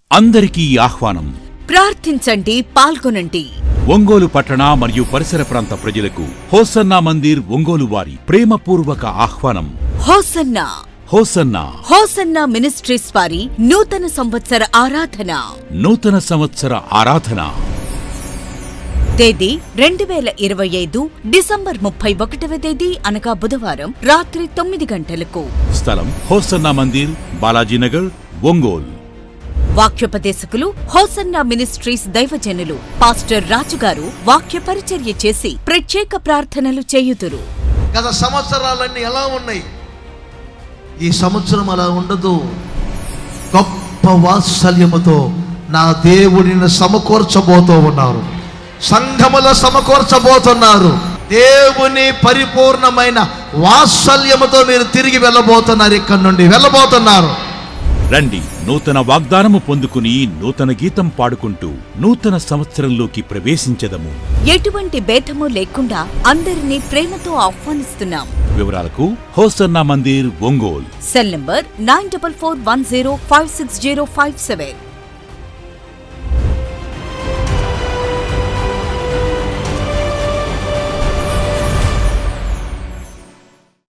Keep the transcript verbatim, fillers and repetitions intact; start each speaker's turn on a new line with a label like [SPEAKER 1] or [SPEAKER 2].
[SPEAKER 1] అందరికీ ఆహ్వానం.
[SPEAKER 2] ప్రార్థించండి, పాల్గొనండి.
[SPEAKER 1] ఒంగోలు పట్టణ మరియు పరిసర ప్రాంత ప్రజలకు హోసన్నా మందిర్ ఒంగోలు వారి ప్రేమపూర్వక ఆహ్వానం.
[SPEAKER 2] హోసన్నా
[SPEAKER 1] హోసన్నా
[SPEAKER 2] హోసన్నా మినిస్ట్రీస్ వారి నూతన సంవత్సర ఆరాధన.
[SPEAKER 1] నూతన సంవత్సర ఆరాధన
[SPEAKER 2] తేదీ రెండు వేల ఇరవై ఐదు డిసెంబర్ ముప్పై ఒకటవ తేదీ అనగా బుధవారం రాత్రి తొమ్మిది గంటలకు.
[SPEAKER 1] స్థలం హోసన్నా మందిర్, బాలాజీనగర్, ఒంగోలు.
[SPEAKER 2] వాక్యోపదేశకులు హోసన్నా మినిస్ట్రీస్ దైవజనులు పాస్టర్ రాజుగారు వాక్య పరిచర్య చేసి ప్రత్యేక ప్రార్థనలు చేయుదురు.
[SPEAKER 3] గత సంవత్సరాలన్నీ ఎలా ఉన్నాయి? ఈ సంవత్సరం అలా ఉండదు. గొప్ప వాత్సల్యముతో నా దేవుడిని సమకూర్చబోతూ ఉన్నారు. సంఘములో సమకూర్చబోతున్నారు. దేవుని పరిపూర్ణమైన వాత్సల్యముతో మీరు తిరిగి వెళ్ళబోతున్నారు. ఇక్కడి నుండి వెళ్ళబోతున్నారు.
[SPEAKER 1] రండి, నూతన వాగ్దానము పొందుకుని నూతన గీతం పాడుకుంటూ నూతన సంవత్సరంలోకి ప్రవేశించెదము.
[SPEAKER 2] ఎటువంటి భేదము లేకుండా అందరినీ ప్రేమతో ఆహ్వానిస్తున్నాం.
[SPEAKER 1] వివరాలకు Hosanna Mandir, Ongole.
[SPEAKER 2] Cell number nine double four one zero five six zero five seven.